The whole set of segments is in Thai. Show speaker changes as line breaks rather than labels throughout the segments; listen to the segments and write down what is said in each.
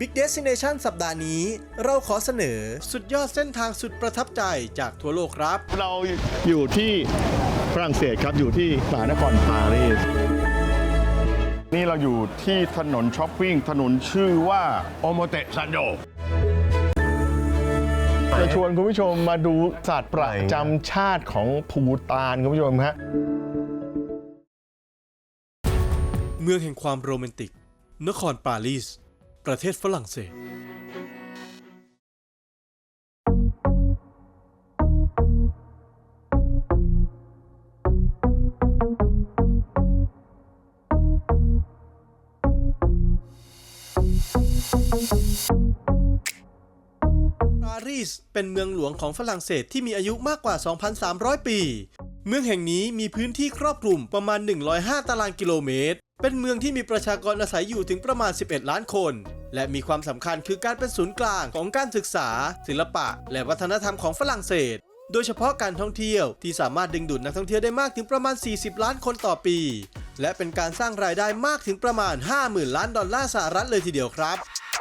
Big Destination สัปดาห์นี้เราขอเสนอสุดยอดเส้นทางสุดประทับใจจากทั่วโลกครับ
เราอยู่ที่ฝรั่งเศสครับอยู่ที่มหานครปารีสนี่เราอยู่ที่ถนนช้อปปิ้งถนนชื่อว่าโอโมเตซันโดจะชวนคุณผู้ชมมาดูสัตว์ประจำชาติของภูฏานคุณผู้ชมฮะ
เมืองแห่งความโรแมนติกนครปารีสประเทศฝรั่งเศสปารีสเป็นเมืองหลวงของฝรั่งเศสที่มีอายุมากกว่า 2,300 ปี เมืองแห่งนี้มีพื้นที่ครอบคลุมประมาณ 105 ตารางกิโลเมตรเป็นเมืองที่มีประชากรอาศัยอยู่ถึงประมาณ 11 ล้านคน และมีความสำคัญคือการเป็นศูนย์กลางของการศึกษาศิลปะและวัฒนธรรมของฝรั่งเศสโดยเฉพาะการท่องเที่ยวที่สามารถดึงดูดนักท่องเที่ยวได้มากถึงประมาณ 40 ล้านคนต่อปี และเป็นการสร้างรายได้มากถึงประมาณ 50,000 ล้านดอลลาร์สหรัฐเลยทีเดียวครับ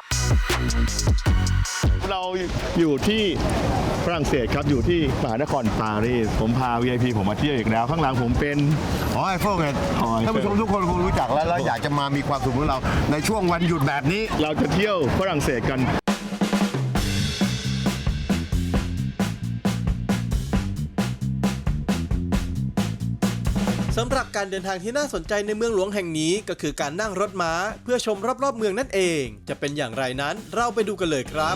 เราอยู่ที่ฝรั่งเศสครับอยู่ที่มหานครปารีสผมพา VIP ผมมาเที่ยวอีกแล้วข้างหลังผมเป็น
หอไอเฟลไงท่านผู้ชมทุกคนคงรู้จักแล้วอยากจะมามีความสุขของเราในช่วงวันหยุดแบบนี้
เราจะเที่ยวฝรั่งเศสกัน
สำหรับการเดินทางที่น่าสนใจในเมืองหลวงแห่งนี้ก็คือการนั่งรถม้าเพื่อชมรอบๆเมืองนั่นเองจะเป็นอย่างไรนั้นเราไปดูกันเลยครับ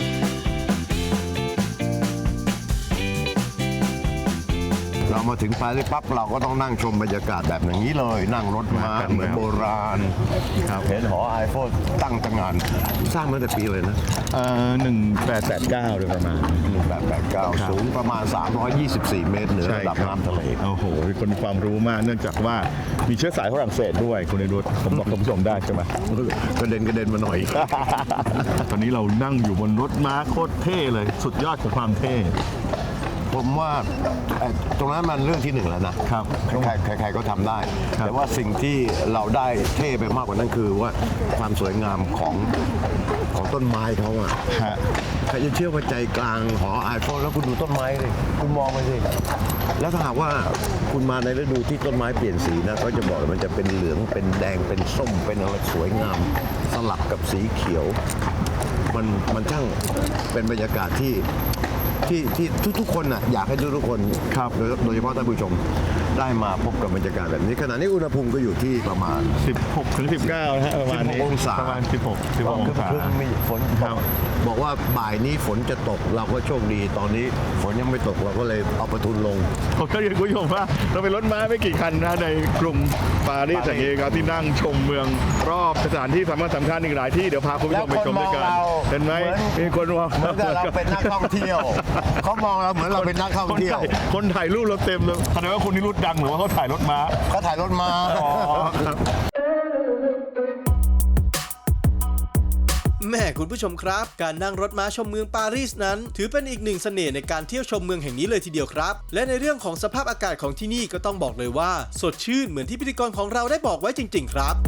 เรามาถึงปารีสปั๊บเราก็ต้องนั่งชมบรรยากาศแบบอย่างนี้เลยนั่งรถม้าเหมือนโบราณเห็นหอไอเฟลตั้งตระหง่านสร้างมาแต่ปีเลยนะ
1889โดยประมาณ
1889สูงประมาณ324 เมตรเหนือระดับน้ำทะเล
โอ้โหมีคนมีความรู้มากเนื่องจากว่ามีเชื้อสายฝรั่งเศสด้วยคุณได้รู้ผมบอกคุณผู้ชมได้ใช่ไหม
กระเด็นมาหน่อย
ตอนนี้เรานั่งอยู่บนรถม้าโคตรเท่เลยสุดยอดของความเท่
ผมว่าตรงนั้นมันเรื่องที่หนึ่งแล้วนะครับใครก็ทำได้แต่ว่าสิ่งที่เราได้เท่ไปมากกว่านั้นคือว่าความสวยงามของต้นไม้เขาอะใครจะเชื่อว่าใจกลางหอไอเฟลแล้วคุณดูต้นไม้เลยคุณมองไปสิแล้วถ้าหากว่าคุณมาในฤดูที่ต้นไม้เปลี่ยนสีนะเขาจะบอกมันจะเป็นเหลืองเป็นแดงเป็นส้มเป็นอะไรสวยงามสลับกับสีเขียวมันช่างเป็นบรรยากาศที่ทุกคนน่ะอยากให้ทุกคน
ครับ
โดยเฉพาะท่านผู้ชมได้มาพบกับบรรยากาศแบบนี้ขณะนี้อุณหภูมิก็อยู่ที่ประมาณ
16 ถึง 19นะฮะประมาณนี้
องศา
ประมาณ16 องศา
มีฝนบอกว่าบ่ายนี้ฝนจะตกเราก็โชคดีตอนนี้ฝนยังไม่ตกเราก็เลยเอาประทุนลง
ผมก็เรียนคุณผู้ชมว่าเราเป็นรถม้าไม่กี่คันนะในกรุงปารีสอย่างนี้ครับที่นั่งชมเมืองรอบสถานที่สำคัญอีกหลายที่เดี๋ยวพาคุณผู้ชมไปชมด้วยกันเห็นไหมมีคนมอง
เหมือนเราเป็นนักท่องเที่ยวเขามองเราเหมือนเราเป็นนักท่องเที่ยว
คนถ่ายรูปเราเต็มเลยแสดงว่าคุณนี่รุ่นดังหรือว่าเขาถ่ายรถม้า
แม่คุณผู้ชมครับการนั่งรถม้าชมเมืองปารีสนั้นถือเป็นอีกหนึ่งเสน่ห์ในการเที่ยวชมเมืองแห่งนี้เลยทีเดียวครับและในเรื่องของสภาพอากาศของที่นี่ก็ต้องบอกเลยว่าสดชื่นเหมือนที่พิธีกรของเราได้บอกไว้จริงๆครับ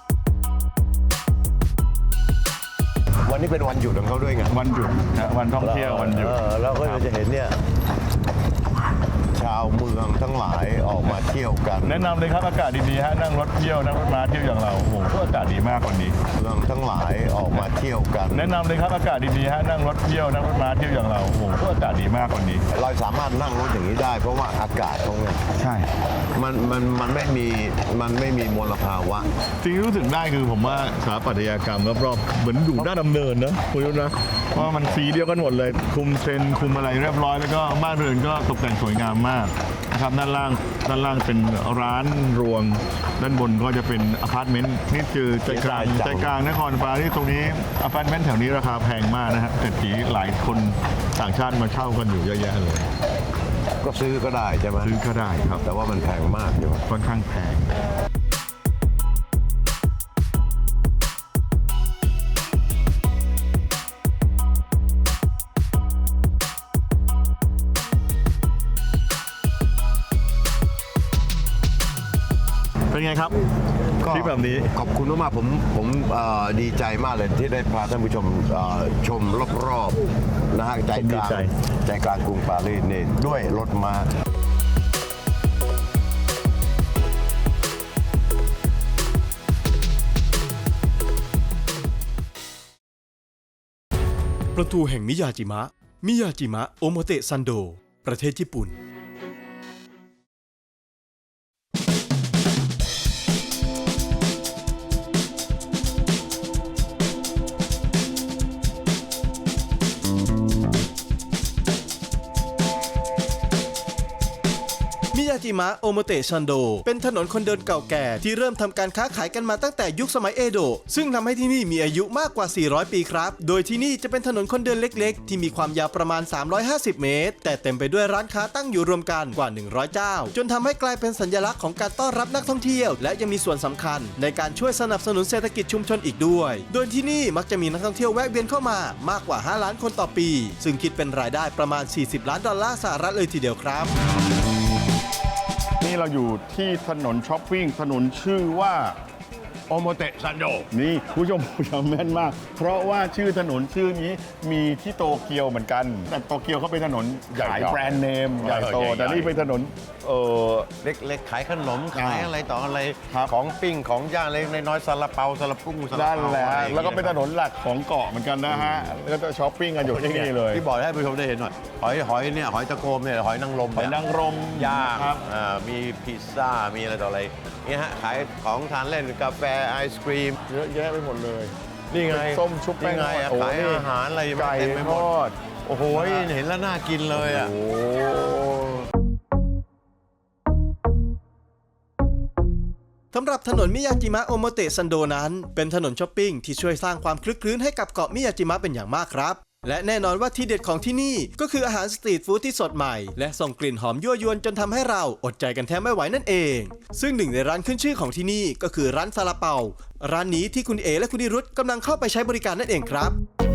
วันนี้เป็นวันหยุดของเขาด้วยไง
วันหยุดนะวันท่องเที่ยววันหยุด
เราก็จะเห็นเนี่ยชาวเมืองทั้งหลายออกมาเที่ยวกัน
แนะนำเลยครับอากาศดีๆฮะนั่งรถเที่ยวนั่งรถม้าเที่ยวอย่างเราโอ้โหอากาศดีมากวันนี้
เมืองทั้งหลายออกมาเที่ยวกัน
แนะนำเลยครับอากาศดีๆฮะนั่งรถเที่ยวนั่งรถม้าเที่ยวอย่างเราโอ้โหอากาศดีมากวันนี้
เราสามารถนั่งรถอย่างนี้ได้เพราะว่าอากาศตรงนี้
ใช่
มันไม่มีมลภาวะ
สิ่งที่รู้สึกได้คือผมว่าสถาปัตยกรรมรอบๆเหมือนอยู่ด้านดำเนินนะคุณรู้นะเพราะมันสีเดียวกันหมดเลยคุมเซนคุมอะไรเรียบร้อยแล้วก็บ้านเรือนก็ตกแต่งสวยงามมากนะครับด้านล่างเป็นร้านรวงด้านบนก็จะเป็นอพาร์ตเมนต์นี่คือใจกลางนครปารีสตรงนี้อพาร์ตเมนต์แถวนี้ราคาแพงมากนะฮะเศรษฐีหลายคนต่างชาติมาเช่ากันอยู่เยอะแยะเลย
ก็ซื้อก็ได้ใช่ไหม
ซื้อก็ได้ครับ
แต่ว่ามันแพงมากอยู่
ค่อนข้างแพงเป็นไงครับ
ก
ทริปแบบนี้
ขอบคุณมากๆผมดีใจมากเลยที่ได้พาท่านผู้ชมชมรอบๆนะฮะใจกลางใจกลางกรุงปารีสนี่ด้วยรถม้า
ประตูแห่งมิยาจิมะโอโมเตะซันโดประเทศญี่ปุ่น มิยาจิมะโอโมเตะซันโดเป็นถนนคนเดินเก่าแก่ที่เริ่มทำการค้าขายกันมาตั้งแต่ยุคสมัยเอโดะซึ่งทำให้ที่นี่มีอายุมากกว่า 400 ปีครับ โดยที่นี่จะเป็นถนนคนเดินเล็กๆ ที่มีความยาวประมาณ 350 เมตร แต่เต็มไปด้วยร้านค้าตั้งอยู่รวมกันกว่า 100 เจ้า จนทำให้กลายเป็นสัญลักษณ์ของการต้อนรับนักท่องเที่ยว และยังมีส่วนสำคัญในการช่วยสนับสนุนเศรษฐกิจชุมชนอีกด้วย โดยที่นี่มักจะมีนักท่องเที่ยวแวะเวียนเข้ามามากกว่า 5 ล้านคนต่อปี ซึ่งคิดเป็นรายได้ประมาณ 40 ล้านดอลลาร์สหรัฐเลยทีเดียวครับ
นี่เราอยู่ที่ถนนช้อปปิ้งถนนชื่อว่า
โอโมเตะซันโด
นี่ผู้ชมจำแม่นมาก เพราะว่าชื่อถนนชื่อนี้มีที่โตเกียวเหมือนกัน แต่โตเกียวเขาเป็นถนนขายแบรนด์เนมใหญ่โต แต่นี่เป็นถนน
เล็กๆขายขนมขายอะไรต่ออะไร
ครับ
ของปิ้งของย่างเล็กน้อยๆซาลาเปาซาลาปุ้งซาลา
ด้าน
เปา
แหละ
อะไรอย่างงี้ย
แล้วก็เป็นถนนหลักของเกาะเหมือนกันนะฮะแล้วก็ช้อปปิ้งกันอยู่ที่นี่เลย
ที่บอกให้ผู้ชมได้เห็นหน่อยหอยเนี่ยหอยตะโกมเนี่ยหอยนางรม
หอยนางรม
ย่าง
ครับ
มีพิซซ่ามีอะไรต่ออะไรเนี่ยฮะขายของทานเล่นกาแฟไอศครีม
เยอะแยะไปหมดเลย
นี่ไง
ส้มชุบแป้ง
นี่ไง
ทอด
ขาย
โอ้นี่
อาหารอะไร
ไก่
เต็มไปหม
ท
ด
อด
โอ้โหเห็นแล้วน่ากินเลยอ่ะ
โอ้
สำหรับถนนมิยาจิมะโอโมเตะซันโดนั้นเป็นถนนช้อปปิ้งที่ช่วยสร้างความคลึกคลื้นให้กับเกาะมิยาจิมะเป็นอย่างมากครับ และแน่นอนว่าที่เด็ดของที่นี่ก็คืออาหารสตรีทฟู้ดที่สดใหม่และส่งกลิ่นหอมยั่วยวนจนทำให้เราอดใจกันแทบไม่ไหวนั่นเอง ซึ่งหนึ่งในร้านขึ้นชื่อของที่นี่ก็คือร้านซาลาเปาร้านนี้ที่คุณเอและคุณนิรุตกำลังเข้าไปใช้บริการนั่นเองครับ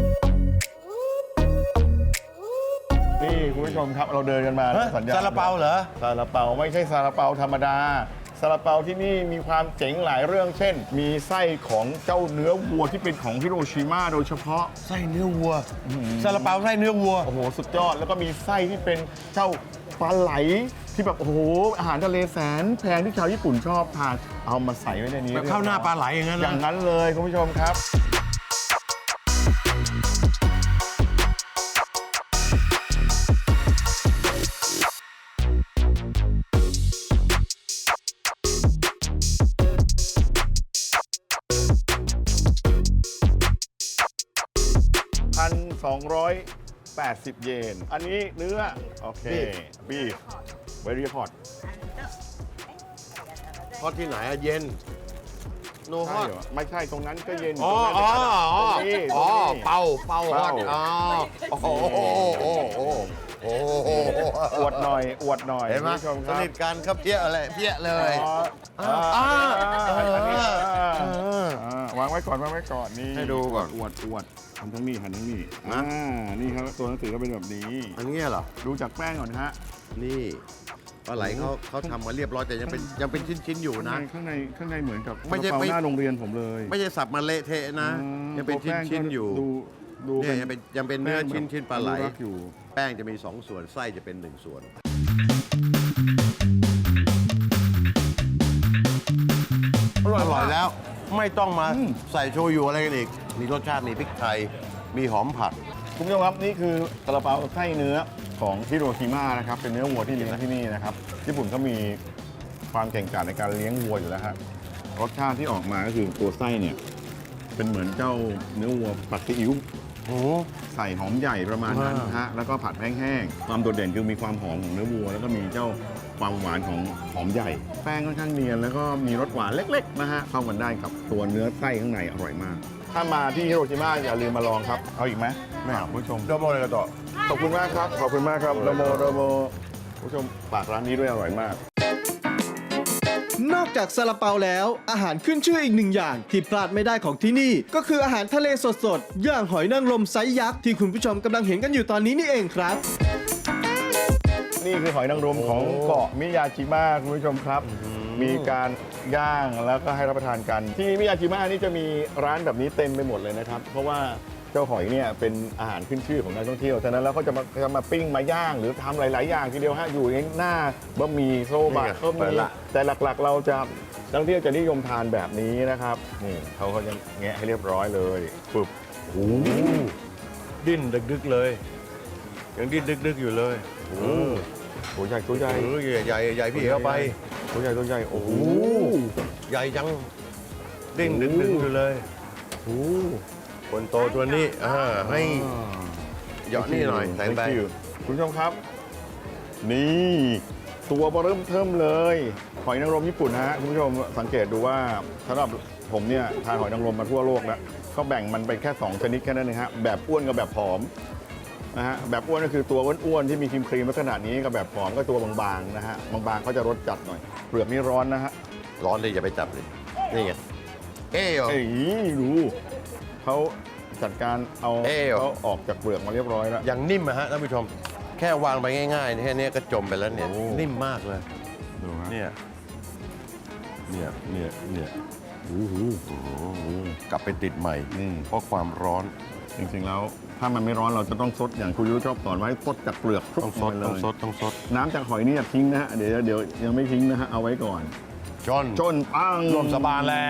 นี่คุณผู้ชมครับเราเดินกันมา
ฮะ
สัญญาณ
ซาลาเปาเหรอ
ซาลาเปาไม่ใช่ซาลาเปาธรรมดาซาลาเปาที่นี่มีความเจ๋งหลายเรื่องเช่น มีไส้ของเจ้าเนื้อวัวที่เป็นของฮิโรชิมาโดยเฉพาะ
ไส้เนื้อวัวซาลาเปาไส้เนื้อวัว
โอ้โหสุดยอดแล้วก็มีไส้ที่เป็นเจ้าปลาไหลที่แบบโอ้โหอาหารทะเลแสนแพงที่ชาวญี่ปุ่นชอบทานเอามาใส่ไว้ในนี้
แบบข้าวหน้าปลาไหลอย่างนั้น
อย่าง
นะ
นั้นเลยคุณผู้ชมครับ 1,280 เยน อันนี้เนื้อ โอเคบีฟเวรี่ฮอต
ทอดที่ไหนอะเย็นโนฮ
ใช่
อต
เหรอไม่ใช่ตรงนั้นก็เย็น
อ๋อ
ตรง
อ๋อ
นั้น
อ๋อ
ตรงนี้
อ๋อ
ตรงนี้
เป่าฮอต
เป่า
อ๋อโอ้โหโอ้โห
อวดหน่อยอวดหน่อย
เห็นไหม
คุณผู้ชมค
ส
รับ
นิทกันครับเพี้ยอะไรเพี้ยเลย
วางไว้ก่อนวางไว้ก่อนนี่
ให้ดูก่อน
อวดทำทั้งนี้หันทั้งนี้
นะ
นี่ครับตัวหนังสือก็เป็นแบบนี้
อันนี้เหรอ
ดูจากแป้งก่อนฮะ
นี่ปลาไหลเขาทำมาเรียบร้อยแต่ยังเป็นชิ้นๆอยู่นะ
ข้างในเหมือนกับ
ไม่ใช่
กระเป๋าหน้าโรงเรียนผมเลย
ไม่ใช่สับมาเละเทะนะ ยังเป็น
ตัวแป้
ชิ้นๆอยู่
ดู
เนี่ยยังเป็นเนื้อชิ้นๆปลาไหล
อนุรักษ์อยู่
แป้งจะมี2 ส่วนไส้จะเป็น1 ส่วนอร่อยแล้วไม่ต้องมาใส่โชยุอะไรกันอีก มีรสชาติมีพริกไทย มีหอมผัด
คุณผู้ชมครับนี่คือซาลาเปาไส้เนื้อของฮิโรชิมานะครับเป็นเนื้อวัวที่เลี้ยงที่นี่นะครับญี่ปุ่นเขามีความเก่งกาจในการเลี้ยงวัวอยู่แล้วฮะรสชาติที่ออกมาก็คือตัวไส้เนี่ยเป็นเหมือนเจ้าเนื้อวัวผัดซีอิ๊วใส่หอมใหญ่ประมาณนั้นนะฮะแล้วก็ผัดแห้งๆความโดดเด่นคือมีความหอมของเนื้อวัว แล้วก็มีเจ้าความหวานของหอมใหญ่ แป้งค่อนข้างเนียนแล้วก็มีรสหวานเล็กๆนะฮะเข้ากันได้กับตัวเนื้อไส้ข้างในอร่อยมาก ถ้ามาที่ฮิโรชิมาอย่าลืมมาลองครับเอาอีกไหมไม่เอาผู้ชม
โดโมเลยต่อ
ขอบคุณมากครับ ขอบคุณมากครับโดโมผู้ชมฝากร้านนี้ด้วยอร่อยมาก
นอกจากซาลาเปาแล้วอาหารขึ้นชื่ออีกหนึ่งอย่างที่พลาดไม่ได้ของที่นี่ก็คืออาหารทะเลสดๆอย่างหอยนางรมไซส์ยักษ์ที่คุณผู้ชมกำลังเห็นกันอยู่ตอนนี้นี่เองครับ
นี่คือหอยนางรมของเกาะมิยาจิมะคุณผู้ชมครับมีการย่างแล้วก็ให้รับประทานกัน ที่มิยาจิมะนี่จะมีร้านแบบนี้เต็มไปหมดเลยนะครับ เพราะว่าเจ้าหอยเนี่ยเป็นอาหารขึ้นชื่อของนักท่องเที่ยวฉะนั้นแล้วเขาจะมาปิ้งมาย่างหรือทำหลาย ๆ อย่างทีเดียวฮะอยู่ในหน้าบะหมี่โซบะก็มีแต่หลัก ๆ เราจะนักท่องเที่ยวจะนิยมทานแบบนี้นะครับนี่เขาก็จะแงะให้เรียบร้อยเลยปึ๊บ
โอ้โหดิ้นดึกๆเลยยังดิ้นดึกๆอยู่เลย
ตัวใหญ่ตัวใหญ่
ใหญ่พี่เข้าไป
ตัวใหญ่ตัวใหญ่โอ้โห
ใหญ่จังดิ้นดึกๆอยู่เลยคนโตตัวนี้ให้เหยาะนี่หน่อยใส่ไป
คุณผู้ชมครับ นี่ตัวเริ่มเทิมเลยหอยนางรมญี่ปุ่นนะฮะคุณผู้ชมสังเกตดูว่าสำหรับผมเนี่ยทานหอยนางรมมาทั่วโลกแล้วก็แบ่งมันเป็นแค่2ชนิดแค่นั้นเองฮะแบบอ้วนกับแบบผอมนะฮะแบบอ้วนก็คือตัวอ้วนๆที่มีครีมลักษณะนี้กับแบบผอมก็ตัวบางๆนะฮะบางๆเขาจะรสจัดหน่อยเปลือกนี่ร้อนนะฮะ
ร้อนเลยอย่าไปจับเลยนี่ไงเอ้ย
เอ้ยดูเขาจัดการเอา
เอ้ย
เขาออกจากเปลือกมาเรียบร้อยแล้ว
อย่างนิ่มอะฮะท่านผู้ชม แค่วางไปง่ายๆแค่นี้ก็จมไปแล้วเนี่ย
โอ้
นิ่มมากเลย
ดูฮะ
เนี่ยกลับไปติดใหม่
นี่
เพราะความร้อน
จริงๆแล้วถ้ามันไม่ร้อนเราจะต้องซดอย่างคุณยุ้ยชอบสอนไว้ซดจากเปลือก
ต้องซด
ล
ต้อง
ย
ซดต้องซด
น้ำจากหอยนี่อย่าทิ้งนะฮะเดี๋ยวยังไม่ทิ้งนะฮะเอาไว้ก่อน
จน
ปัง
รวมสบานแล้ว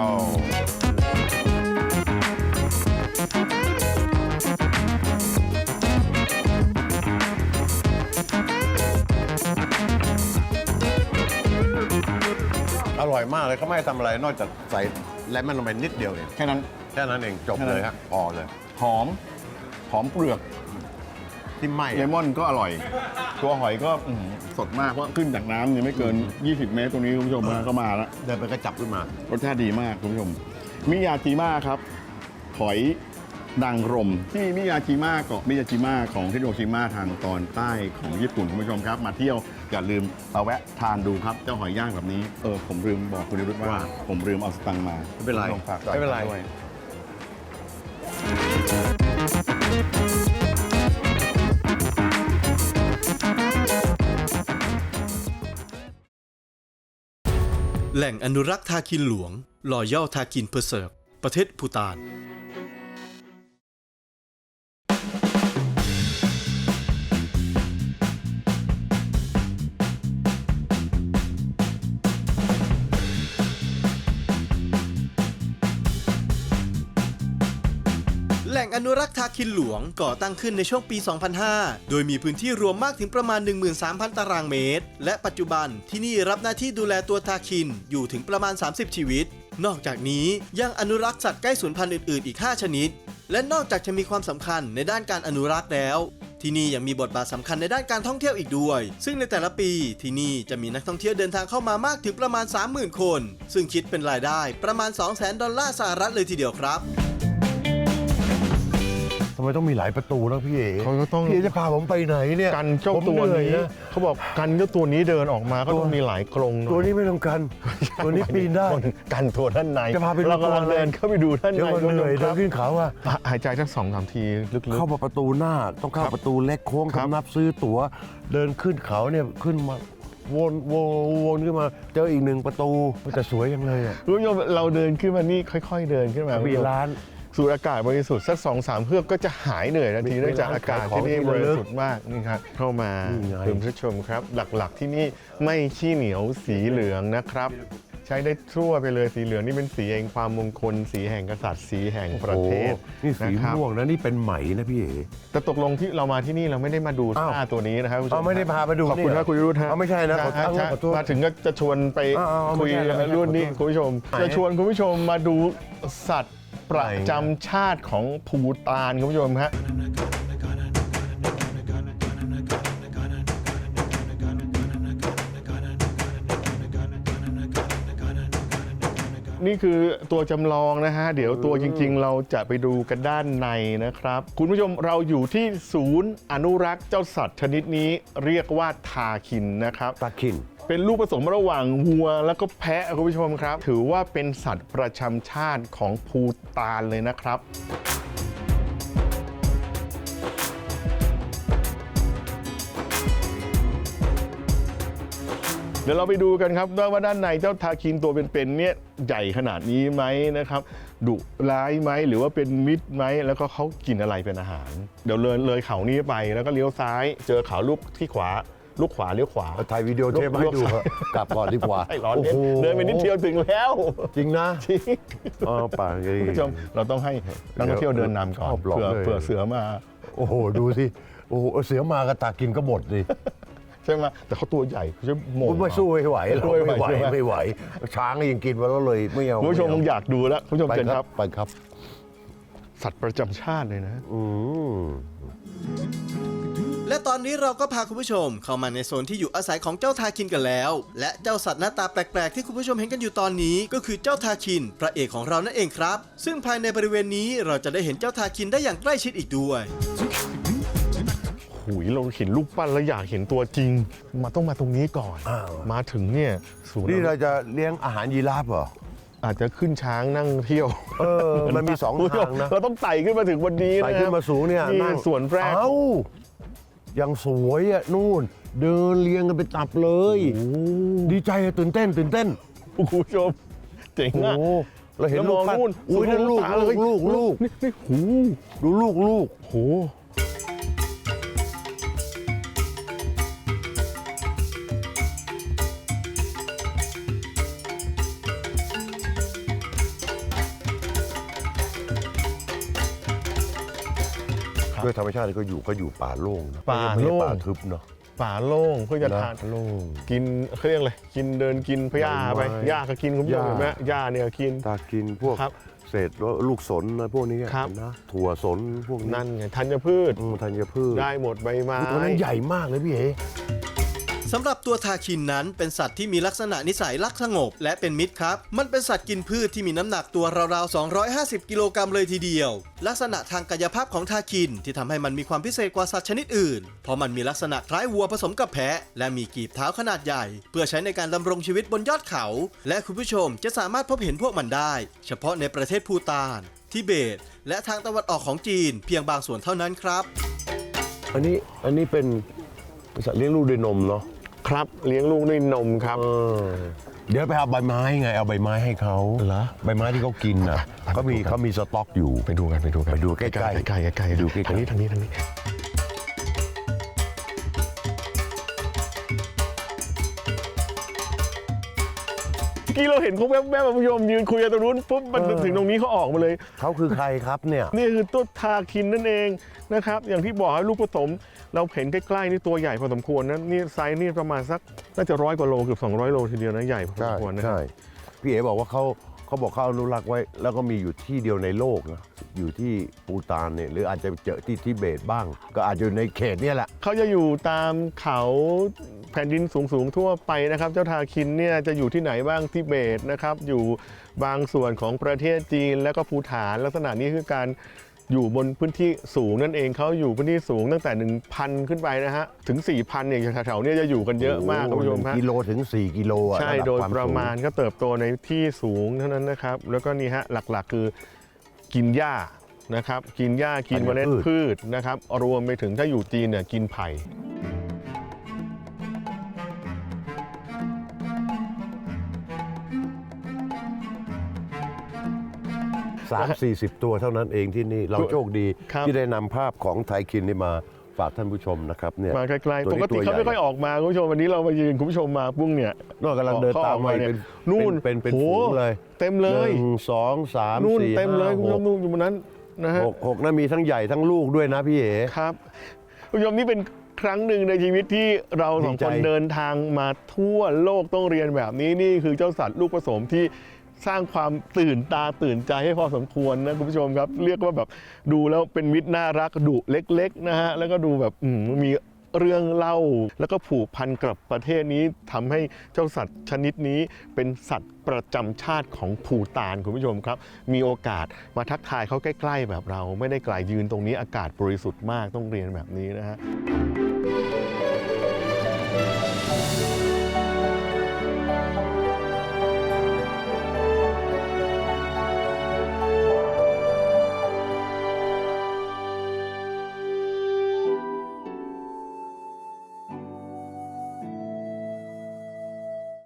อร่อยมากเลยเขาไม่ให้ทำอะไรนอกจากใส่เลมอนลงไปนิดเดียวเอง
แค่นั้น
แค่นั้นเองจบเลยฮะพอเลย
หอมเปลือก
ที่ไหม้
เลมอนก็อร่อย ตัวหอยก็สดมากเพราะขึ้นจากน้ำเนี่ยไม่เกิน 20 เมตรตรงนี้คุณผู้ชมก็มาแล้ว
เดินไปก็จับขึ้นมา
รสชาติดีมากคุณผู้ชมมิยาจิมะครับหอยนางรมที่มิยาจิมะเกาะมิยาจิมะของฮิโรชิมาทางตอนใต้ของญี่ปุ่นคุณผู้ชมครับ มาเที่ยวอย่าลืมมาแวะทานดูครับเจ้าหอยย่างแบบนี้ผมลืมบอกคุณนิรุตว่าผมลืมเอาสตังค์มา
ไม่เป็นไร
คุณผู้ชฝากจ่าย
ไม่เป็นไร
ด้วย
แหล่งอนุรักษ์ทาคินหลวงรอยัลทาคินเพอร์เซิร์ฟประเทศภูฏาน แหล่งอนุรักษ์ทาคินหลวงก่อตั้งขึ้นในช่วงปี 2005 โดยมีพื้นที่รวมมากถึงประมาณ 13,000 ตารางเมตร และปัจจุบันที่นี่รับหน้าที่ดูแลตัวทาคินอยู่ถึงประมาณ 30 ชีวิต นอกจากนี้ยังอนุรักษ์สัตว์ใกล้สูญพันธุ์อื่นๆอีก 5 ชนิด และนอกจากจะมีความสำคัญในด้านการอนุรักษ์แล้ว ที่นี่ยังมีบทบาทสำคัญในด้านการท่องเที่ยวอีกด้วย ซึ่งในแต่ละปีที่นี่จะมีนักท่องเที่ยวเดินทางเข้ามามากถึงประมาณ 30,000 คน ซึ่งคิดเป็นรายได้ประมาณ 200,000 ดอลลาร์สหรัฐเลยทีเดียวครับ
ทำไมต้องมีหลายประตูนะพี่เอ๋
เขาก็ต้อง
พี่เอ๋จะพาผมไปไหนเนี่ย
กันเจ้า
ผม
ตัว
เหอย
นี้
นะ
เขาบอกกันเจ้าตัวนี้เดินออกมาก็ต้องมีหลายกรงหน่อย
ตัวนี้ไม่ต้องกัน ตัวนี้ปีนได้
กันตัวด้านใน
จะพาไปดู
เรากำลัง
ตัวอะไร
เดินเข้าไปดูด้านใน
เดี๋ยวมันเหนื่อย
ค
เดิ
รั
น
บ
ขึ้นเขาอะ
หายใจสัก2-3 ทีลึกๆ
เข้ามาประตูหน้าต้องเข้าประตูเล็กโค้ง
ครับ
คำนับซื้อตั๋วเดินขึ้นเขาเนี่ยขึ้นมาวนขึ้นมาเจออีกหนึ่งประตูแต่สวยยังเลยอ่ะ
คุณผู้ชมเราเดินขึ้นมานี่ค่อยๆเดินขึ้นมา
มีร้าน
สูดอากาศบริสุทธิ์สัก 2-3 เฮือกก็จะหายเหนื่อยทันที
มี
เนื่องจากอากาศที่นี่
ขายของ
บริสุทธิ์มากนี่ครับเข้ามา
นี่ไง
คุณผู้ชมครับ หลักๆที่นี่ไม่ขี้เหนียวสีเหลืองนะครับ ใช้ได้ทั่วไปเลยสีเหลืองนี่เป็นสีแห่งความมงคลสีแห่งกษัตริย์สีแห่งประเทศ
โอ้โหนี่สี
นะครับ
ม่วงนะนี่เป็นไหมนะพี่เอ๋
แต่ตกลงที่เรามาที่นี่เราไม่ได้มาดู
อ้าว
ท่าตัวนี้นะครับคุณผู้ช
เอา
ม
ไม่ได้พาไปดู
ขอบคุณ
นี่เหร
ค
อ
รับคุณยุทธฮะ
เอาไม่ใช่นะขอ
ใช่
ขอโทษ
มาถึงก็จะชวนไป
เอาๆ
คุย
ไม่ใช่
รุ่นนี้
ขอโทษ
คุณผู้ชม
ไหน
จะชวนคุณผู้ชมมาดูสัตว์ประจำชาติของภูฏานคุณผู้ชมฮะนี่คือตัวจำลองนะฮะ เดี๋ยวตัวจริงๆ เราจะไปดูกันด้านในนะครับ คุณผู้ชมเราอยู่ที่ศูนย์อนุรักษ์เจ้าสัตว์ชนิดนี้เรียกว่าทาคินนะครับ
ตาคิน
เป็นลูกผสมระหว่างวัวแล้วก็แพะคุณผู้ชมครับ ถือว่าเป็นสัตว์ประจำชาติของภูฏานเลยนะครับ
น
เดี๋ยวเราไปดูกันครับว่าด้านในเจ้าทาคินตัวเป็นๆเนี่ยใหญ่ขนาดนี้ไหมนะครับดุร้ายไหมหรือว่าเป็นมิตรไหมแล้วก็เขากินอะไรเป็นอาหารเดี๋ยวเลยเขานี้ไปแล้วก็เลี้ยวซ้ายเจอเขาลูกที่ขวาลูกขวาเลี้ยวขวา
ถ่ายวิดีโอเทปมาให้ดูเถอะกลับก่อนดีกว่า
ไอ้ร้อนเดินไปนิดเดียวถึงแล้ว
จริงนะ
จริง
ป่า
คุณผู้ชมเราต้องให้นักท่องเที่ยวเดินนำก่อนเผื่อเสือมา
โอ้โหดูสิโอ้โหเสือมากระตากินก็หมดดิ
ใช่ไหมแต่เขาตัวใหญ่เขาจะโหม่ง
ไม่สู้ไม่ไหว
ไม่ไหว
ช้างยังกินมาแล้วเลยไม่เอา
คุณผู้ชมคงอยากดูแล้วคุณผู้ชม
ไป
เชิญ
ค
ค
รั
รั
บบ ไปครับ
สัตว์ประจำชาติเลยนะ
และตอนนี้เราก็พาคุณผู้ชมเข้ามาในโซนที่อยู่อาศัยของเจ้าทาคินกันแล้ว และเจ้าสัตว์หน้าตาแปลกๆที่คุณผู้ชมเห็นกันอยู่ตอนนี้ก็คือเจ้าทาคินพระเอกของเรานั่นเองครับซึ่งภายในบริเวณนี้เราจะได้เห็นเจ้าทาคินได้อย่างใกล้ชิดอีกด้วย
หุยเราเห็นรูปปั้นแล้วอยากเห็นตัวจริงต้องมาตรงนี้ก่อน มาถึงเนี่ยศูนย์
นี่เราจะเลี้ยงอาหารยีราฟเหรอ
อาจจะขึ้นช้างนั่งเที่ยว
มันมีสองทางนะ
เราต้องไต่ขึ้นมาถึงบนนี้
ไปขึ้นมาสูงเนี่ย
นี่
นั่ง
สวนแรก
เอ้ายังสวยอ่ะนู่น เดินเรียงกันเป็นตับเลย ดีใจอะตื่นเต้น
คุณผู้ชมเจ๋ง
โอ้
อะ
เราเห็นลูกปั้น
แล้วมองนู่น
อุ้ยนั่นลูก
สุดลูกตาเลย
ลูก
นี่หู
ดูลูก
โห
ด้วยธรรมชาติก็อยู่ป่าโล่งนะ
ป่า
ไม่ใช่
โล่ง
ป่าทึบเนาะ
ป่าโล่งเพื่อจะทาน
โล่ง
กินเขาเรียกอะไรกินเดินกินพหญ้าไป
ใบไม้
หญ้าก็กินคุณผู้ชม
หญ้า
เห็นไหมหญ้าเนี่ยกิน
ตากินพวก
ครับ
เศษลูกสนอะไรพวกนี้
ครับ
นะถั่วสนพวกนี้
นั่นไงธัญพืช
ธัญพืช
ได้หมดใบไม้
ตัวนั้นใหญ่มากเลยพี่เอ๋
สำหรับตัวทาคินนั้นเป็นสัตว์ที่มีลักษณะนิสัยรักสงบและเป็นมิตรครับ มันเป็นสัตว์กินพืชที่มีน้ำหนักตัวราวๆ250 กิโลกรัมเลยทีเดียว ลักษณะทางกายภาพของทาคินที่ทำให้มันมีความพิเศษกว่าสัตว์ชนิดอื่น เพราะมันมีลักษณะคล้ายวัวผสมกับแพะ และมีกีบเท้าขนาดใหญ่ เพื่อใช้ในการดำรงชีวิตบนยอดเขา และคุณผู้ชมจะสามารถพบเห็นพวกมันได้ เฉพาะในประเทศภูฏานทิเบต และทางตะวันออกของจีนเพียงบางส่วนเท่านั้นครับ
อันนี้เป็นสัตว์เลี้ยงลูกด้วยนมเนาะ
ครับเลี้ยงลูกด้วยนมครับ
เดี๋ยวไปเอาใบไม้ไงเอาใบไม้ให้เขา
เหรอ
ใบไม้ที่เขากินน่ะเขามีสต็อกอยู่
ไปดูกัน
ไปดูใกล้ๆ
ใกล้ๆ
ดูใกล้ๆ
ทางนี้เมื่อกี้เราเห็นเขาแวบๆคุณผู้ชมยืนคุยกันตรงนู้นปุ๊บมันถึงตรงนี้เขาออกมาเลย
เขาคือใครครับเนี่ย
นี่คือตัวทาคินนั่นเองนะครับอย่างที่บอกให้ลูกผสมเราเห็นใกล้ๆนี่ตัวใหญ่พอสมควรนะนี่ไซส์นี่ประมาณสักน่าจะ100 กว่าโลเกือบ200 โลทีเดียวนะใหญ่พอสมควรนะ
ใช่พี่เอ๋บอกว่าเขาบอกเขาอนุรักษ์ไว้ แล้วก็มีอยู่ที่เดียวในโลกนะอยู่ที่ปูตานเนี่ยหรืออาจจะเจอที่ทิเบตบ้าง ก็อาจจะอยู่ในเขตเนี่ยแหละ
เขาจะอยู่ตามเขาแผ่นดินสูงๆทั่วไปนะครับเจ้าทาคินเนี่ยจะอยู่ที่ไหนบ้างทิเบตนะครับอยู่บางส่วนของประเทศจีนและก็ภูฏานลักษณะนี้คือการอยู่บนพื้นที่สูงนั่นเองเขาอยู่พื้นที่สูงตั้งแต่ 1,000 ขึ้นไปนะฮะถึง 4,000เนี่ยแถวๆนี้จะอยู่กันเยอะมากคุณผู้ชม
1
ฮะ
กิโลถึง 4 กิโลอะ
ใช่
ระดับ
โดย
คว
ประมาณ
สูง
ก็เติบโตในที่สูงเท่านั้นนะครับแล้วก็นี่ฮะหลักๆคือกินหญ้านะครับกินหญ้ากินเมล็ดพืชนะครับรวมไปถึงถ้าอยู่จีนเนี่ยกินไผ่
30-40 ตัวเท่านั้นเองที่นี่เราโชคดี
ครับ
ที่ได้นำภาพของไทยคินนี่มาฝากท่านผู้ชมนะครับเนี่ย
มาไกลๆ
ตัว
ป
นี้
กติเขาไม่ค่อยออกมาคุณผู้ชมวันนี้เรามายืนคุณผู้ชมมาปุ้งเนี่ย
นอกกำลังเดินตามไป
เนี่ย
เป็น
นู่น
เป็น
โห
ฝูงเลย
เต็มเลย
1 2 3
นู่น
4
เต็มเลยคุณผู้ชม
5
นู่นอยู่บนนั้นนะฮะ
6 6นะมีทั้งใหญ่ทั้งลูกด้วยนะพี่เอ๋
ครับคุณผู้ชมนี่เป็นครั้งหนึ่งในชีวิตที่เราสอง
ดีใจ
คนเดินทางมาทั่วโลกต้องเรียนแบบนี้นี่คือเจ้าสัตว์ลูกผสมที่สร้างความตื่นตาตื่นใจให้พอสมควรนะคุณผู้ชมครับเรียกว่าแบบดูแล้วเป็นมิตรน่ารักดุเล็กๆนะฮะแล้วก็ดูแบบมีเรื่องเล่าแล้วก็ผูกพันกับประเทศนี้ทำให้เจ้าสัตว์ชนิดนี้เป็นสัตว์ประจำชาติของภูฏานคุณผู้ชมครับมีโอกาสมาทักทายเขาใกล้ๆแบบเราไม่ได้ไกลยืนตรงนี้อากาศบริสุทธิ์มากต้องเรียนแบบนี้นะฮะ